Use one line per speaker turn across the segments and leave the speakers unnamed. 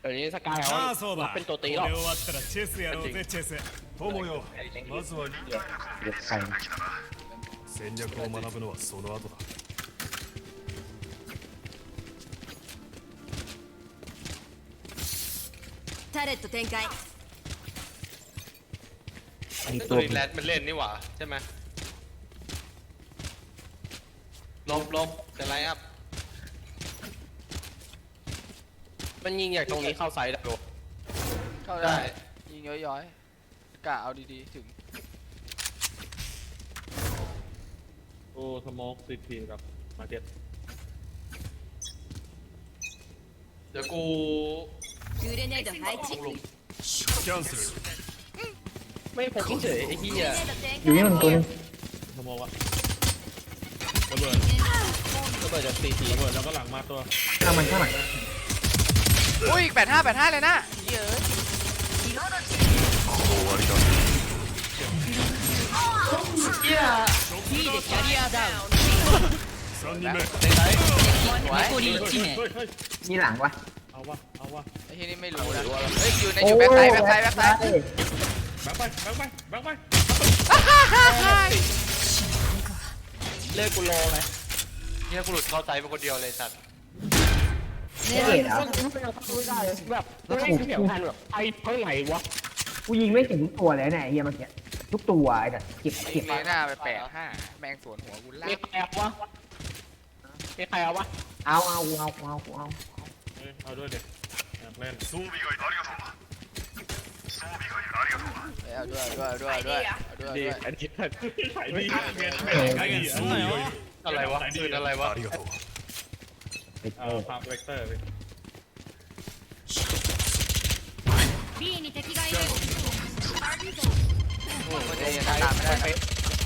ดี๋ยวนี้สกายเขารับเป็นตัวตีหรอก
終わったらチェスやろうぜチェス友よまずは
เด็กใคร
戦略を学ぶのはその後だ
タレット展開
ไอ้ตั
ตัว วแรดมันเล่นนี่หว่าใช่ไหมลบจะไลน์อัพ
มันยิงจากตรงนี้เข้าไซด์ได้
เข้าได้ยิงย้อยๆกะเอาดีๆถึง
โอ้สโมกซีทีกับมาร์เก็ต
เดี๋ยวกู
グレネード配置グレネ
キャンセル
ไม่พกเฉยไอ้เหี้ย
ード展
อยู่นี่มันตัวนึง
สโมกอะระเบิด
ก็เปิดจากซีที
ระเบิดแล้วก็หลังมาตัว
ข้างมันข้างหลัง
อุ้ย85เลยนะเยอะ
B でキャリアダウン
3人目
残り1名
เฮ้ย
นี่หลังวะ
เอาวะ
ไอ้ที่นี่ไม่รู้นะเฮ้ยอยู่ในอยู่แบ็คไซด์
แบงค์ไปแบงค์ไป
เลิกกูรอไหม
เนี่ยกูหลุดเข้าไซด์เป็นคนเดียวเลยสัตว์
เฮ้ยเหรอ
ไม่ได้แบบไม่ได้เสียงพันแบบไอ้เท่าไหร่วะ
กูยิงไม่ถึงทุกตัวเลยเนี่ยไอ้เฮียเมื่อกี้ทุกตัวไอ้เนี่ยเก็บ
ยิงเลน่าไป85แมงสวนหัวกูล่า
มีใครเอาวะมีใครเอาวะ
เอา
เอาด้วยเด็กอยากเล่น
装備外ありがとう装備外ありがとう
เอาด้วย
ดีอันนี้ขายดี
加減すんなよ
อะไรวะปืนอะไรวะ
ありがとう
พาร์คเวกเตอร์
B に敵がいる
มันจะยังตามไม่ได้นะ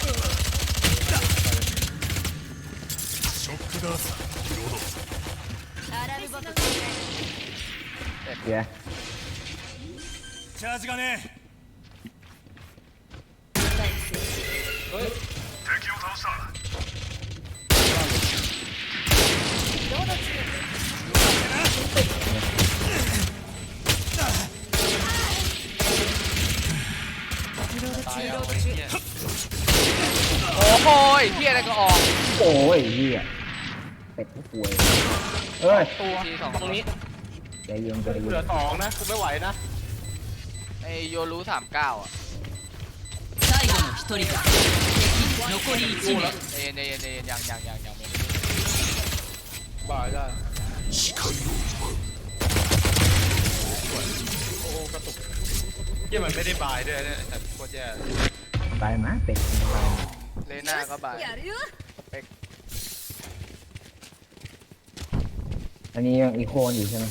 ショックダーサーリロード
アラームボックス
เดี๋ยว
チャージがね敵を倒した
โอ้โหเฮียอะไรก็ออก
โอ้ยเฮียเป็ดผู้ป่วยเอ้ย
ตัวตรงนี้
ใจเย็นใจ
กู
เย็
เหลือน 2นะกูไม่ไหวนะ
ไอโยรู้39อ่ะ
最後の一人だ残り1名
เอ็นยังไม่
บ่ายได้
ที่มันไม่ได้บายด้วยเนี่ยแต่โคตรแย่
ตายมาเป็ดตาย
เลน่าก็บาย
やるよ
อันนี้ยังอีโคนอยู่ใช่ไหม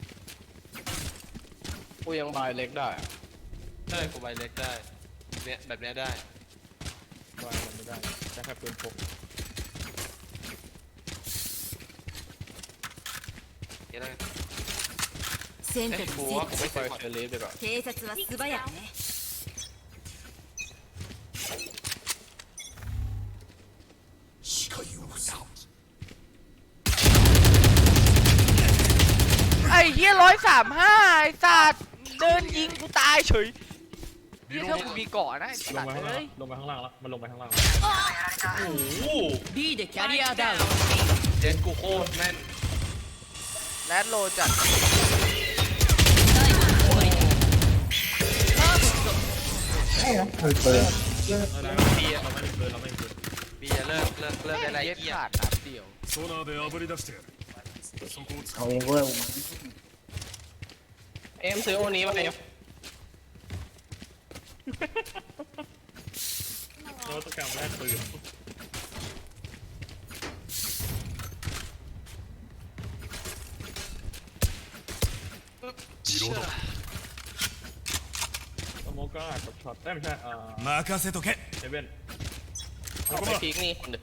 กูยังบายเล็กได้
ใช่กูใบเล็กได้เนี่ยแบบเนี้ยได้
บ่ายมันไม่ได้แต่แค่ปืนพก
เดี๋ยวได้
セントリー
กู
セ
ว่ากูไม่
ไป
เคย
เชอรี่ไปก่อน
警察は素早くね
ไอ้เฮีย135ไอ้สัตว์เดินยิงกูตายเฉยนี่ถ้ากูมีเกาะนะไอ้
ล
สั
ง
ต
ไป
ว์
ข้างล่า
เฮ้
ง
ย
ลงไปข้างล่างแล้วมันลงไปข้างล่าง
โอ้โห
B でキャリアダウン
เจนกูโคตรแม่น
แรดโลจัด
最後の一人だパーフェクト
เปิด
เราไม่ได้ปืนเราไม่ได้ปืน
บีจะเลิกได้ไร
เย็ด
เกีย
ขาดนัดเดียว
ソナーで炙り出してやるそこを使
เอา
う
เองเว้ย
เอ็มซื้อโอนี้มาเอ็ม
เราต้องการแลกปืน
リロード
สโมกก็อาจจะช็อตได้ไม่ใช่
任せとけ
เซเว่น
เอาไปพีกนี่คนเดียว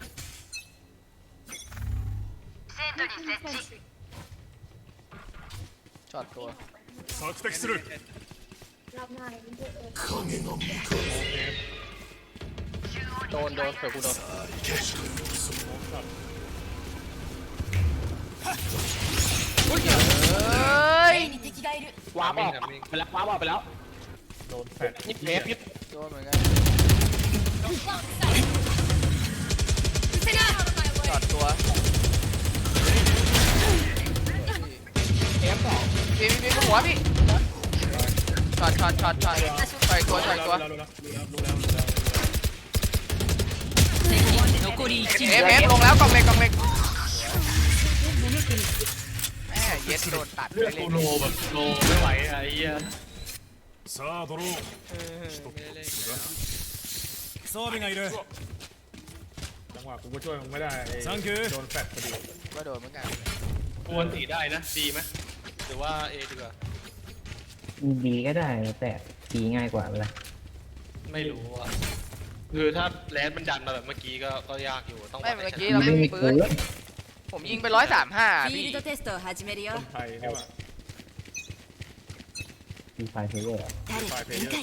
ช็อตตัว
索敵する
โดนเผื่อกูโดน
เฮ้ย
A に敵がいる
ว้าบออกไปแล้วว้าบออกไปแล้ว
โดนแฟด
ยิบเทปยิบ
โดนเหมือนกันจอดตัว
เทปสอง
พี่หัวพี่ช็อตต่อยตัว
รู้แล้ว
敵残り1
เอ
名
ฟลงแล้วกล่องเล็กแม่เย็ดโดนตัด
เลือด
ไปเล
กู
ย
โลแบบโลไม่ไหวไอ้เหี้ย
さあドローン装備がいる
จังหวะกูก็ช่วยมึงไม่ได้ไอ้
サンキュー
โดนแฟดพอดี
ก็โดนเหมือนกัน
ควรตีได้นะดีไหมหรือว่าเอดีกว่า
ดีก็ได้แต่ดีง่ายกว่าเวลา
ไม่รู้อ่ะคือถ้าแลนมันดันมาแบบเมื่อกี้ก็ยากอยู่ต้อง
ไม่เมื่อกี้เราไม่มีปืนผมยิงไป135
フィ
พี่
ールドテストを始めるよ
คนไทยใช่ป่ะ
ดีไฟเพลเยอร์
誰か展開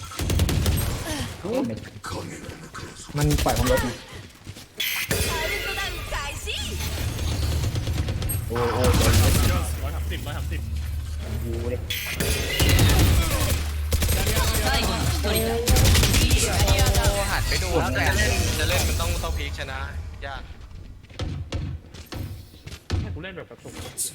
มันปล่อยความรถไง
カウントダウン開始
โอ้โห
130
ยูเลย
最後の1人だ
โอ้หันไปดูแล้วแต่
จะเล่นมันต้องพีคชนะยาก
ให้กูเล่นแบบกระตุก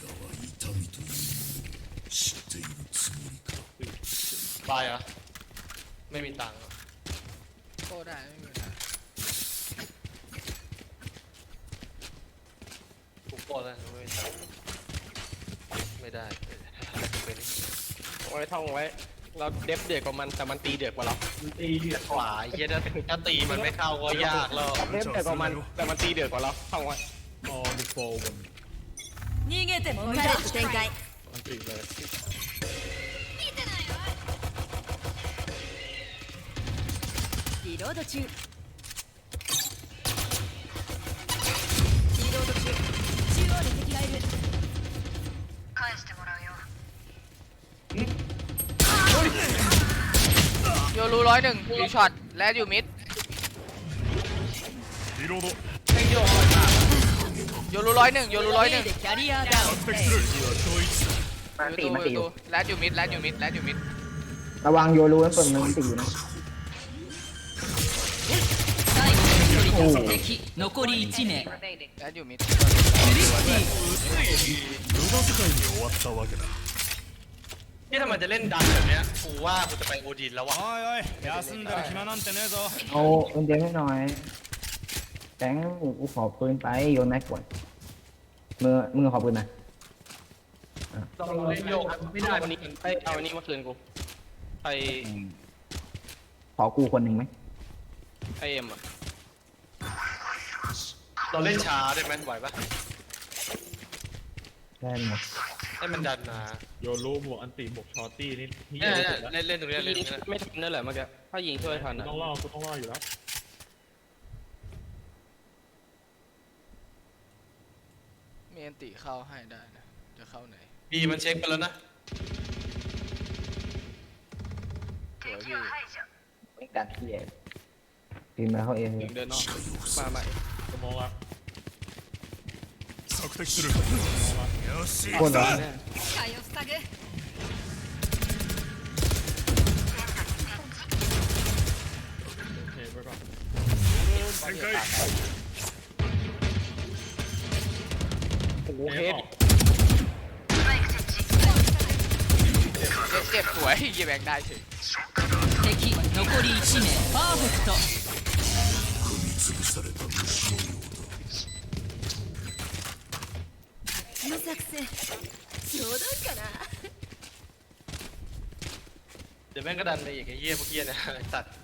บายเหรอ่ะไม่มีตังค์อะ
โตได้ไม่มีปัญหา
กูโกรธแล้วไม่มีตังค์ไม่ได้เป็น
ไว้ท่องไว้เราเดฟเดือดกว่ามันแต่มันตีเดือดกว่าเรา
ตีเดือดกว่าไอ้เหี้ยถ้าตีมันไม่เข้าก็ยากแล้ว
เดฟเดือดกว่ามันแต่มันตีเดือดกว่าเราท่องไว้
ออดิโฟบน
逃げても無駄展開
อันติเลย
リロード中リロード中中央で敵がいる
โยรู101อยู่ช็อตและอยู่มิด
リロード
โยรู101โยรู
A でキャリアダウン
敵する
มันตีมันตี
101และอยู่มิดและอยู่มิดและอยู่มิด
ระวังโยรูมันเปิดมันตีอยู่นะ
最後の1人だ敵残り1名
และอยู่มิด
クリスティ
無駄遣いに終わったわけだ
นี่ถ้ามันจะเล่นดันแบบเนี้ยกูว่ากูจะไปโอดินแล้ววะ
おいおい休んでる暇なんてねえぞ
เอาปืนเจมให้หน่อยแตงกูขอปืนไปโยนแม็กก่อนมึงขอปืนนะ
ต้องเล่นโยกไม่ได้
วันนี้เอาวันนี้มาคืนกูไอ
ขอกูคนหนึ่งไหม
ไอเอ็มอะ
เราเล่นช้าได้ไหมไหวปะ
ได้หมด
ให้มันดันมา
โยรูบวกอันติบวกชอตตี้นี่ที่
เนี่ย
สุดแล้ว
เล่นตรงนี้เล่นตรงนี้
ไม่ทันนั่นแหละเมื่อกี้ถ้ายิงช่วยทันอะ
ต้องรอกูต้องรออยู่แล้ว
มีอันติเข้าให้ได้นะจะเข้าไหน
บีมันเช็คไปแล้วนะ
สวยพี่
ไม่กัดที่เองตีมาเขาเอง
ยิงเดินนอกมาใหม่
สมองละ
索敵するよし
คนเหรอ
視界を塞ぐ
โอเคไว้ก่อน
展開
โอ้โหเฮด
เจ็บสวยยีแบงได้เฉย
敵残り1名パーフェクトこの作戦ちょうどいいかな
เดี๋ยวแม่งก็ดันไปอีกไอ้เหี้ยพวกเหี้ยนะไอ้สัตว์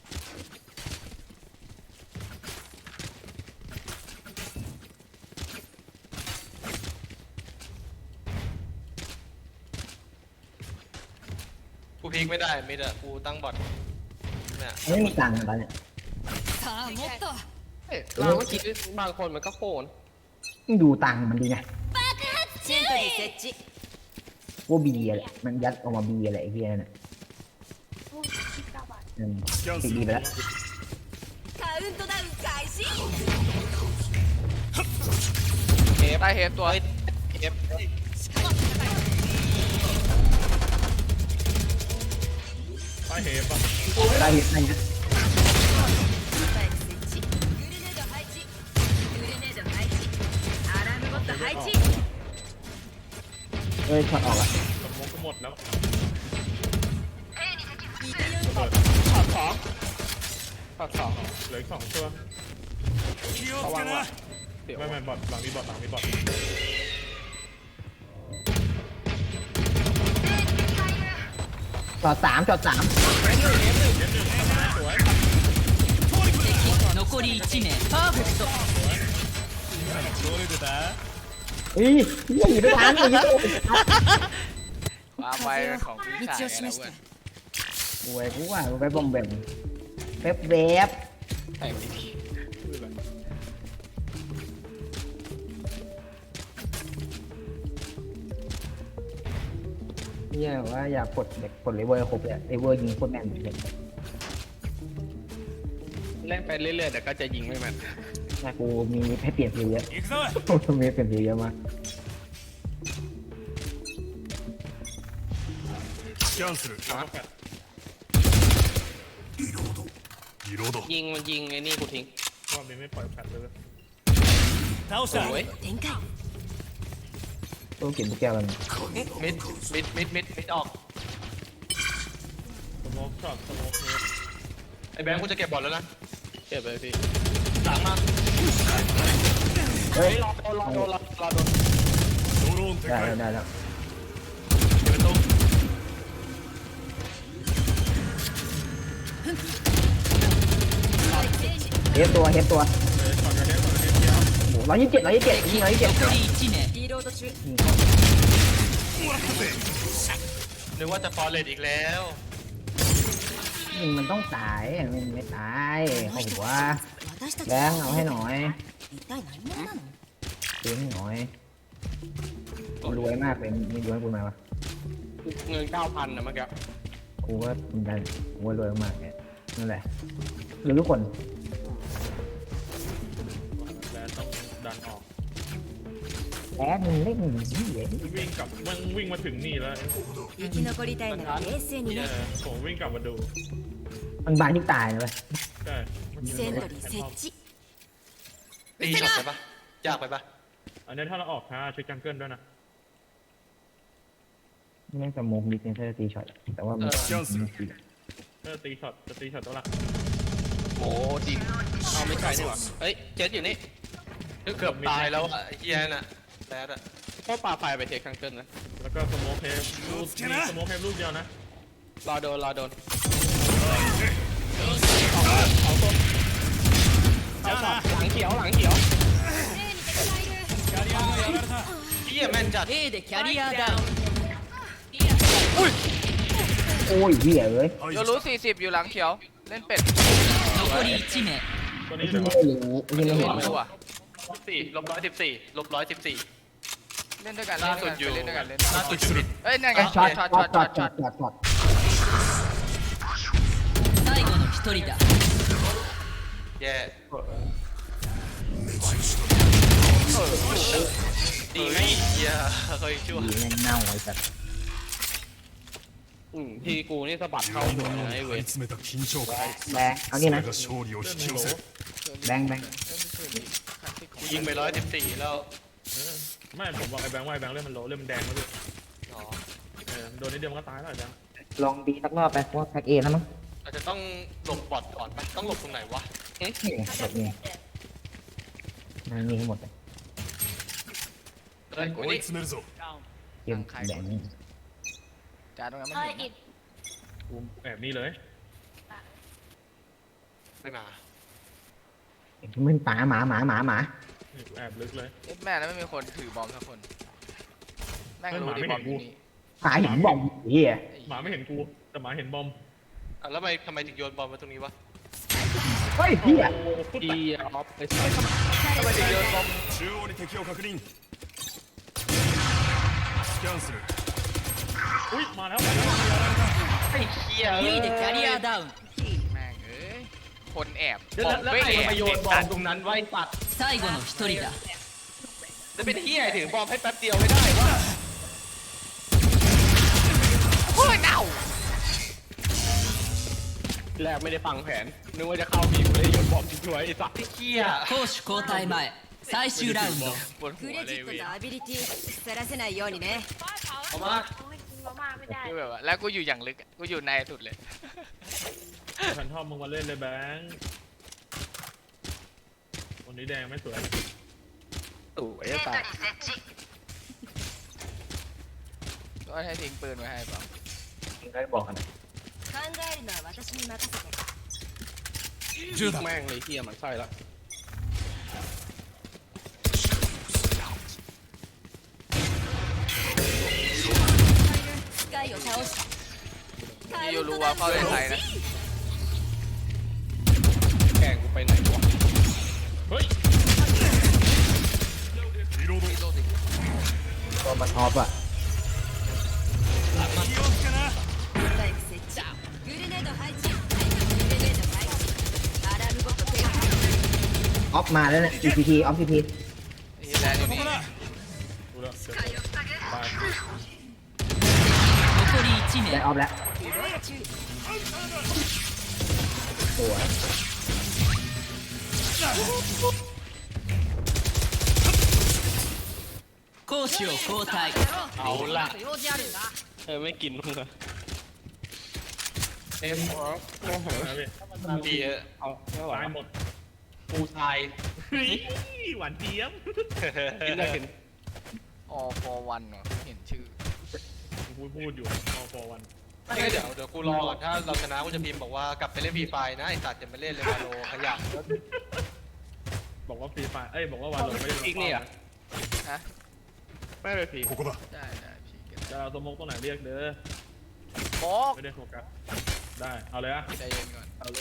กูพีคไม่ได้มิดอะกูตั้งบอทเนี่ย
ไม่มีตังค์ตอนเนี้ย
さあもっと
เฮ้ยเราเมื่อกี้บางคนมันก็โค่น
มึงดูตังค์มันดีไง
シェントリー設置
ว่าบีอะไรมันยัดออกมาบีอะไรไอ้เหี้ยนั่นน่ะติดบีไปแล้ว
カウントダウン開始
เฮฟ
ได้เฮฟตัว
เฮฟ
ต้เฮฟป่ะ
ได้เห็นได้เห็น
スパイク設置グレネード配置グレネード配置アラームボット配置
เอ้ยช็อตออกอ่ะ
สมองก็หมดแล้ว
ช็อตสองช็อตสอง
เหลืออีก2ตัว
気をつけな
เดี๋ยว
ไม่บอทหลังนี้บอทหลังนี้บอท
ช็อต3ช็อต3
残り1名パーフェクト
どれでだ
เฮ้ยยังอยู่ด้วยกันอยู่ด้วย
ความไวของพี่ชายกันแล้วเว้ย
โอ้ยกูว่ากูไปบอมแบมแป๊บแวบ
แต่ไม่ดี
เนี่ยว่าอยากกดเด็กกดเลเวอร์ครบเลยเลเวอร์ยิงโคตรแม่นเลย
เล่นไปเรื่อยๆแต่ก็จะยิงไม่แม่น
แต่กูมีให้เปลี่ยนสีเยอะ
行くぞ
กูมีเปลี่ยนสีเยอะมาก
スキャンするリロードリロード
ยิงมันยิงไอ้นี่กูทิ้ง
รอบนี้ไม่ปล่อยแฟดเลย
倒した
โอ้ย
展開
ต้องกินทุกแก้วกัน
มิดออก
สมองช็อตสมองเฮฟ
ไอ้แบงค์กูจะเก็บบอลแล้วนะ
เก็บเลยพี่
หลังมา
เฮ้ย
รอโดน
ドローン展
ได้
開
แล้วได้แล้ว
เดี๋ยวไปตรง
เฮฟตัวเฮฟตัว
เลยช็อตกันเนี้ยช็อตกันเนี้ยเที่ยว
โอ้127ยิง127
残り1名リロード中
นึกว่าจะฟอร์เรสอีกแล้ว
ยิงมันต้องตายมันไม่ตายเขาหัว
私たち
แบงค์เอาให้หน่อย
一体何者なの
ซื้อให้หน่อยกูรวยมากเลยมีรวยกูมาวะ
เงิน 9,000นะเมื่อกี้
กูว่ามันได้กูว่ารวยมากเนี่ยนั่นแหละหรือทุกคน
แล้วต้องดันออก
แอบมึงเล่นอย่างนี้เหรอ
วิ่งกลับมันวิ่งมาถึงนี่แล้ว
生き残りたいなら冷静に
เอ
ね
อผมวิ่งกลับมาดู
มันบานที่ตายนะเว้ย
ใช่
セントリー設置
ตีช็อตไปปะยากไปปะ
อันนี้ถ้าเราออกช้าเช็คจังเกิลด้วยนะ
แม่งสมองมีเซนเซอร์ตีช็อตแต่ว่ามัน
スキャンする
ถ้าตีช็อตจะตีช็อตตัวละ
โอ้จริงเอาไม่ใช่นี่หว่าเอ้ยเจ็ดอยู่นี่
เกือบตายแล้วอะไอ้เฮียน่ะแรดอะ
ก็ปาไฟไปเทคคังเกิลนะ
แล้วก็สโมกเฮฟลูกนี่สโมกเฮฟลูกเดียวนะ
รอโดนเอาช็อตหลังเขียว
เฮียแม่นจัด
A でキャリアダウン
โอ้ยเหี้ยเอ้ย
排
โย
除
รู้
した
40อยู่หลังเขียว เล่นเป็ด
残り1名
ตัว
ไอ้
นี้
ที่
เดี๋ยว
ไม่รู้ไอ้ที่ไม่
เล่
เห็
น
น
ไม่รู้อ่ะ
4 -114
เล่นด้วยกัน
ล่าสุดอยู่
เล่นด้วยกัน
ล่าสุดอยู่
เอ้ยนั่นไง
ช็อต
ช็
ช็
อ
อ
ต
ต
ช็
ช็
อ
อ
ต
ต
ช็
ช็
อ
อ
ต
ตช็อตช็อต
最後の1人だ
แย่ดีไหมเฮียเฮ้ยชั่ว
ดีแม่งเน่าไอ้สัส
ทีกูนี่สะบัดเข้าหัวนะไอ้เว
追い
ท
詰めた緊張感
แบงค์เอานี่
そ
นะ
れが勝利を引き寄せる
แบงค์
กูยิงไป114แล้ว
ไม่ผมบอกไอ้แบงค์ว่าไอ้แบงค์เล่นมันโลเล่นมันแดงแล้วพี่
อ๋อ
โดนนิดเดียวมันก็ตายแล้วไอ้แบงค์
ลองดีสักรอบไปเพราะว่าแพ็กเอแล้วมั้ง
อาจจะต้องหลบบอดก่อนไหมต้องหลบตรงไหนวะ
นี่แบบนี้มันมีให้หมดเลย
เอ้ย
追い詰めるぞ
เกมแบงค์
จ่าตรงนั้นไม่เห็น
กูแอบนี่เลย
ไม่มา
มึงหมา
นี่กูแอบลึกเลย
เอ็ดแม่แล้วไม่มีคนถือบอมสักคนแม่งรู้ดิบอมอยู่นี่
หมาเห็นบอมเหี้ย
หมาไม่เห็นกูแต่หมาเห็นบอม
อ่ะแล้วทำไมถึงโยนบอลมาตรงนี้วะ
เฮ้ยเหี้ย
ทีออฟไอ้สัส
ทำไมถึงโยนบอม
中央に敵を確認スキャンする
อุ้ยมาแล้ว
ไอ้เฮีย
B でキャリアダウン
แม่งเอ้ยคนแอบ
แล้ว
บอม
แล้ว
ไม่
ใคร
แอบ
มาโยนบอลตรงนั้นไว้ปัด
最後の1人だ
แล้วเป็นเฮียถือบอลให้แป๊บเดียวไม่ได้วะ
โอ้ยเน่า
แรกไม่ได้ฟังแผนนึกว่าจะเข้าบีกูเลยโยนบอมทิ้งไว้ไอ้สัตว์
ไอ้เหี้ย
攻守交代前最終ラウンド
ปวดหั
ク
ว
レ
เล
ジ
ย
ット
เว้ย
とアビリティ腐らせないようにね
เอามา
คือแบบว่าแล้วกูอยู่อย่างลึกอะกูอยู่ในสุดเลย
แฟนทอมมึงมาเล่นเลยแบงค์วันนี้แดงไม่สวย
ตู่ไอ้สัตว์
ก็ให้ทิ้งปืนไว้ให้เปล่า
มึงได้บอกกันนะ
考えるのは私に任せて
10だแม่งเลยเฮียมันไส้ละ
スカイを倒した
พี่ยูรู้ว่าเข้าได้ไทยนะ
แกงกูไปไหนวะ
เฮ้ย
リロード
ตัวมันท็อปอ่ะ
気をつけな
スパイク設置グレネード配置グレネード配置アラームごと展開
ออฟมาแล้วเนี่ย GPT ออฟ GPT
นี่แลนด์อยู่นี่
ดูแล้วเดี๋ยวตาย
残り1
ได้
名
ออฟแล้ว
注意
สวย
攻守を交代
เอาละ
用事あるんだ
ไม่กินมึงอะเอ็มออฟโอ้โห
นะพี่
ดีอะ
เอาไม่ไหว
ตายหมด
ปูทราย
เฮ้ยหวานเจี๊ยบ
กินได้กิน
ออฟอร์วันเหรอเห็นชื่อ
พูดอยู่ออฟอร์วัน
ไม่เดี๋ยวกูรอก่อนถ้าเราชนะกูจะพิมพ์บอกว่ากลับไปเล่นฟรีไฟนะไอ้สัตว์จะมาเล่นเลยมาโลขยะ
บอกว่าฟรีไฟบอกว่าวันลงไม่ได้
อีกนี่อ่ะ
ฮะ
ไม่ไปผี
ここだ
ได้ได้พี่เก็บ
จะเอาสมกตรงไหนเรียกเด้อ
บอก
ไม่ได้โฟกัสได้เอาเลยอะ
ใจเย็นก่อน
เอาเลย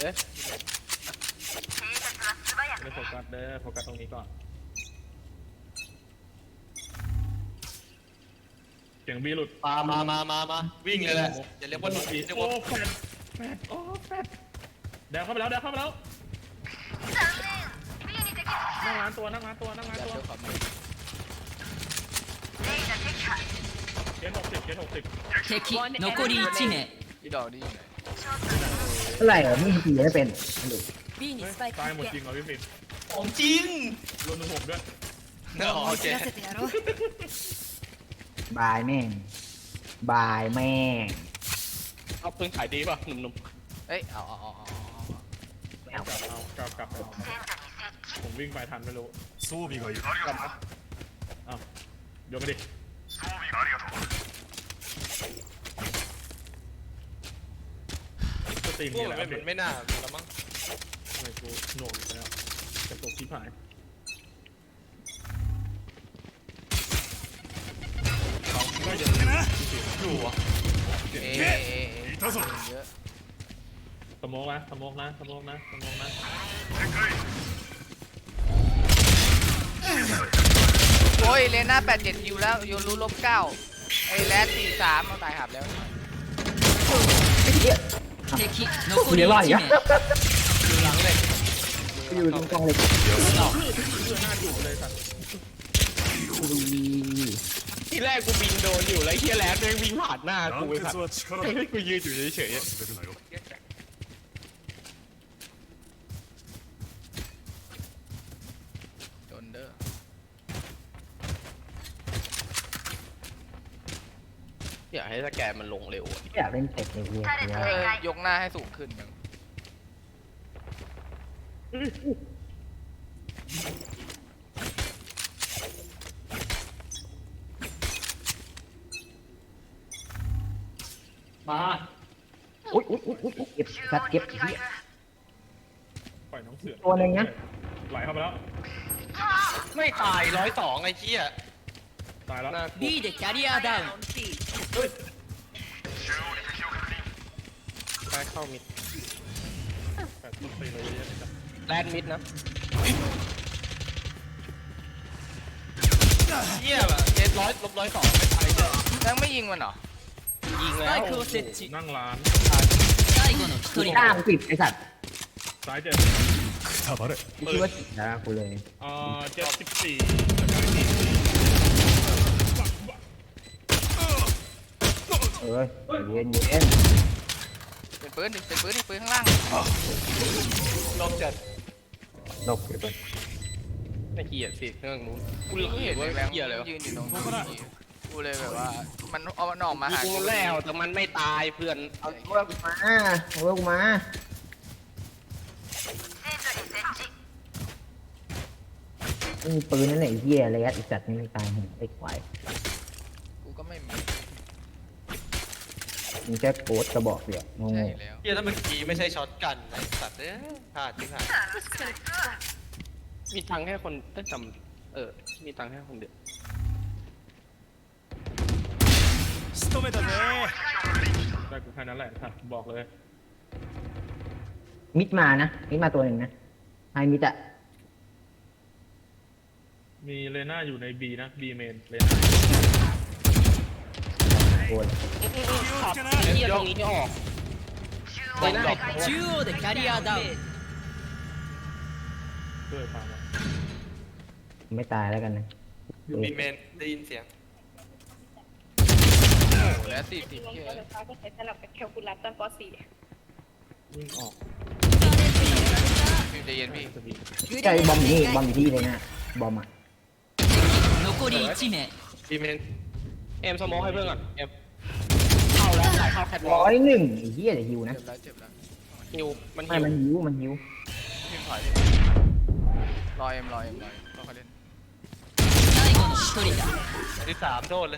ไม่ได้โฟกัสเด้อโฟกัสตรงนี้ก่อนเสียงบีหลุด
มาวิ่งเลยแหละอย่าเรียกว่าหลุด
บี
เรียก
โอ้
ว่า
แฟดโอ้แฟดแดงเข้าไปแล้วแดงเข้าไปแล้วนั่งร้านตัวนั่งร้านตัวนั่งร้าน
ยัด
ตัว
ด้วยความมือ
เจ็ด60เจ็ด60
敵残り1名
พี่ดอกนี่อยู่ไหน
เท่าไหร่เหรอมึงตีไม่เป็นดู
B にスパイク
ตายหมด
設
จริงเหรอพี่ฟิน
ของจริง
รวมถึงผมด้วย
โอเค
置らせてやろう
บายแม่งบายแม่ง
เอาปืนขายดีป่ะหนุ่ม
เอ้ยเอา
ไม่เอา
กลับเอาผมวิ่งไปทันไม่รู้
装備がいる
อ้าวโยนไปดิสตรีม
พว
มี
ก
อะไร
มัน
อัปเดต
ไม่น่าแล้วมั้ง
ทำไมกูโหน่วงอยู่แล้วกระตุกที่หาย
อยู่อ่ะ
เอ๊ะ
いたぞ
เยอะ
สโมกนะสโมกนะสโมกนะสโมกนะ
โอ้ยเลน่า87คิวแล้วโยรู้ลบ9ไอ้แรด43เอาตายหับแล้ว
敵残
กู
り
เรียกว่า
1
อย่าง
名
เงี้ย
อยู่หลังเลย
อยู่ตรงกลางเลย
เพื่อหน้าอยู่เลยสัตว์
ๆที่แรกกูบินโดนอยู่แล้วเฮียแลนด์แม่งวิ่งผ่านหน้ากู
団
ไอ้สัต
結
ว์
は力だ
ให้กูยืนอยู่เฉย
忘れるなよ
โดนเด้อ
ๆอยากให้สแกนมันลงเร็วอะ
อยากเล่นเทคเลยเว้ย
ยกหน้าให้สูงขึ้นยัง
มา
อุ้ยเก็บสัตว์เก็บเหี้ย
ปล่อยน้องเสือ
ตัวหนึ่งนะ
ไหลเข้าไปแล้ว
ไม่ตาย102ไอ้เหี้ย
ตายแล้ว
หน้า
B でキャリアダウン
ใต้เข้ามิด
แปดต้นตีเลยเยอะๆนะครับ
แลนด์มิดนะ
เหี้ยแบบเจ็ดร้อยลบ102ไม่ตายเลย
ยังไม่ยิงมันเหรอ
ยิง
ス
แล้
パ
ว
イクを設置
นั่งร้าน
最後の
กู
1人
กล้ามึงปิดไอ้สัตว์
ซ้ายเจ็ด
くたばれ
กูคิดว่านะกูเลย
74
เอ้ยเย็น
เป็นปืนดิเป็นปืนดิปืนข้างล่าง
ลบจัด
ลบอยู่บน
ไม่เกียดสิเครื่องนู้นกู
กู
เห็
เห็
น
น
ว่า
ไอ้แบงค์
เกียดเลยวะ
ยืนอยู่ตรงนี้กูเลยแบบว่ามันเอามันออกมาหา
ยิง
กู
แล้วแต่มันไม่ตายเพื่อน
เอาเวิร์กมาเอาเวิร์กมาไม่มีปืนนั่นแหละไอ้เหี้ยอะไรไอ้สัตว์นี่ไม่ตายเห็นไอ้ควาย
กูก็ไม่มี
มีแค่โกดกระบอกเดียวงง
ใช่แล้ว
เฮียถ้าเมื่อกี้ไม่ใช่ช็อตกันไอ้สัตว์พลาดจริงหาย
มีตังค์แค่คนได้จำมีตังค์แค่คนเดียว
仕留めたぜ
ได้กูแค่นั้นแหละครับบอกเลย
มิดมานะมิดมาตัวหนึ่งนะไฮมิดอะ
มีเลน่าอยู่ใน B นะ B เมนเลน่า
โอ้ย
ขับไอ้เหี้ยตรงนี้ไม่ออกไม่ได้
中央でキャリアダウン
ช่วยฟังว่า
ไม่ตายแล้วกันนะ
มีเมนได้ยินเสียง
แล้ว40
ลง
เหี้ย
ไฟฟ้าก็ใช้สลับกับแคลคูลัสตอนป .4
วิ่งออก
พี่ใจเย็นพี่
สบี
ใช่บอมอยู่นี่บอมอยู่ที่เลยนะบอมอะ
残り1名
มีเมน
เอ็มสโมอให้เพื่อนก่อนเอ็มเข้าแล้วถ่ายเข้าแคทวอล์ก
101ไอ้เหี้ยเดี๋ยวฮิวนะ
เจ็บแล้ว
ฮิวมัน
ไม่
ฮิว
มันหิว
พี่ถอยรอเอ็มรอเขาเล่น
最後の1人だ
ที่สามโทษเลย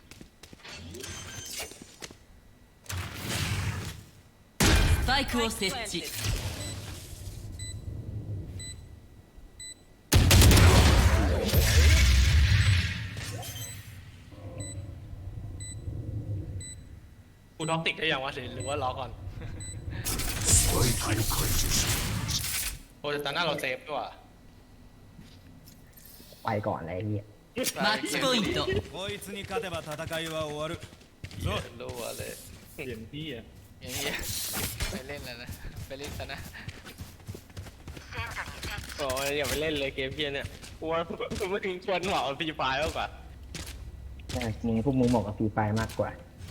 スパイクを設置
กูท็อกติกได้ยังวะหรือว่ารอก่อนโอ้แต่ตอนหน้าเราเซฟด้วยว่ะ
ไปก่อนเลยไอ้เหี้ย
マッチポイント
こいつに勝てば戦いは終わるぞ
รู้ว่าเลย
เสียงพี่อ่ะ
อย่างเงี้ยไปเล่นแล้วนะไปเล่นซะนะ
โอ้ยอย่าไปเล่นเลยเกมเพี้ยเนี่ยกูว่ามึงควรเหมาฟรีไฟล์มากกว่า
ใช่พวกมึงเหมาะกับฟรีไฟมากกว่า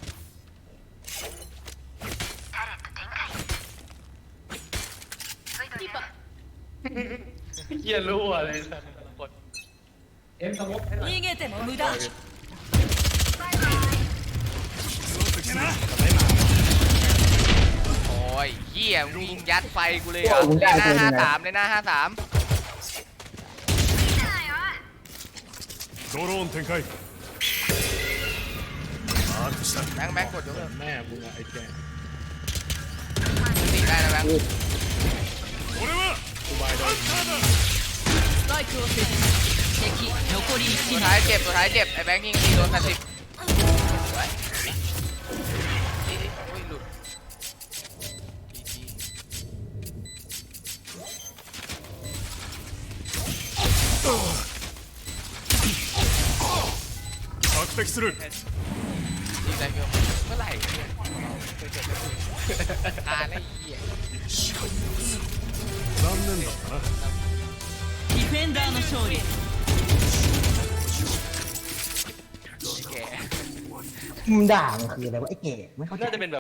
เฮียรู้ว่าเลยสัตว์แต่ละคน
逃げても無駄
โอ้ยเหี้ยมึงยิงยัดไฟกูเลยเหรอเลยหน้า53เลยหน้า53
ドローン展開マークした
แบงค์กดยกเลิก
แม่มึงอะไอ้แก
ตีได้นะแบงค์
俺は
กูบายได้
スパイクを設置敵残り
สุด
1
ท้าย
名
เจ็บไอ้แบงค์ยิงตีโดน80ไว้โอ้ยหลุด
索敵する
ตีได้เกินเมื่อไหร่เนี่ยตายแล้วไอ้เหี้ย
残念だったな
ディフェンダーの勝利
แก
มึงด่ามันคืออะไรวะไอ้เก๋ไม่เข้าใจ
น่าจะเป็นแบบ